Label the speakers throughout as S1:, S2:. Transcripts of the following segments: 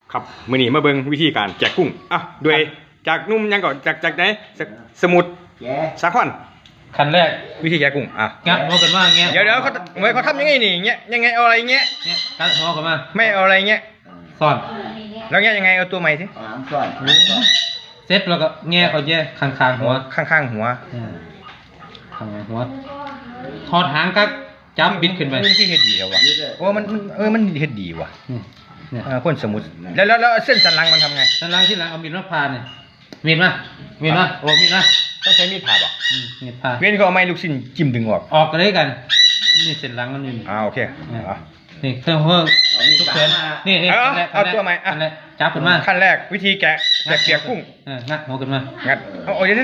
S1: ครับมื้อนี้มาเบิ่งวิธีการแจกกุ้งอ่ะโดยจากนุ่มยังก่อนจากไหนสมุทรสาคร
S2: ขั้นแรก
S1: วิธีแจกกุ้งอ่ะ
S2: งัดหัวกันมาเงี้ย
S1: เดี๋ยวเขาทำยังไงนี่เงี้ยยังไงเอาอะไรเงี้ย
S2: งัดหัวกันมา
S1: ไม่เอาอะไรเงี้ย
S2: ซ่อน
S1: แล้วเงี้ยยังไงเอาตัวใหม่สิ
S3: ซ่อน
S2: เซ็ตแล้วก็แง่เขาแย่ข้างหัว
S1: ข้างหัว
S2: ข้างหัวทอดหางก็จับบิดขึ้นไป
S1: ที่เฮ็ดดีแล้ววะโอ้มันเฮ็ดดีว่ะคนสมุทรแล้วเส้นสันหลังมันทำไง
S2: สันหลังที่หลังเอามีดมาผ่าเนี่ยมีดมาโอ้มีดมา
S1: ต้องใช้มีดผ่าป่ะ
S2: มีดผ่า
S1: เว้นก็เอาไม้ลูกชิ้นจิ้มดึงออก
S2: กันเลยกันนี่เส้นหลังมันอยู่
S1: โอเค
S2: นี่เครื่องหัวทุกเส้นนี่
S1: เอาตัวใหม่
S2: จับขึ้นมา
S1: ขั้นแรกวิธีแกะเปียกกุ้ง
S2: งัดหัวขึ้นมา
S1: งัดโอ้ยเดี๋ยว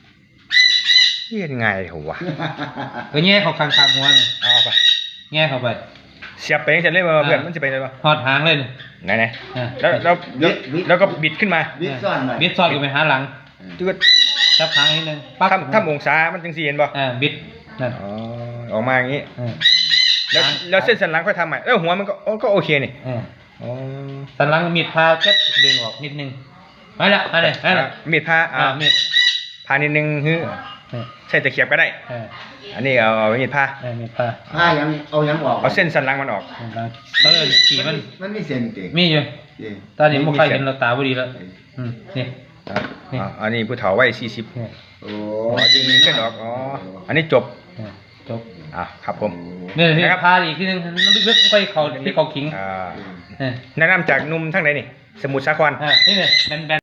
S1: ยังไงเหรอวะ
S2: ก็แง่เขาข้างหัวเนี่ย
S1: เอาไป
S2: แง่เข้าไป
S1: เสียบไปเสร็จเลยเพื่อนมันจะไปเลยป่ะ
S2: ทอดหางเลย
S1: ไหนแล้วก็บิดขึ้นมา
S3: บิดซ่
S2: อนกันไปหาหลัง
S1: จุด
S2: จับหางนิดนึง
S1: ถ้าองศามันจึงสี่เห็นป่ะ
S2: บิดนั่น
S1: ออกมาอย่างนี้แล้วเส้นสันหลังค่อยทำใหม่แล้วหัวมันก็โอเคนี่
S2: สันหลังมีดพาแค่ดึงออกนิดนึงไปละ
S1: มีดพา
S2: มีด
S1: พานิดนึงใช่ตะเขียบก็ได้อันนี้เอามีดพา
S3: ยังออก
S1: เอาเส้นสันหลังมันออก
S2: ขี่
S3: มันมีเส้นเก่ง
S2: มีอยู่ตอนนี้มุกใครเห็นเราตาบุรีแล้วนี่
S1: อันนี้ผู้เฒ่าวัย40
S3: โอ้
S1: จริงเส้นออกอันนี้จบครับผม
S2: นี่พาอีกทีนึงลึกๆไปเขาที่เขาขิง
S1: แนะนำจากนุ่มทั้งไหนนี่สมุทรสาคร
S2: นี่เนี่ยแบน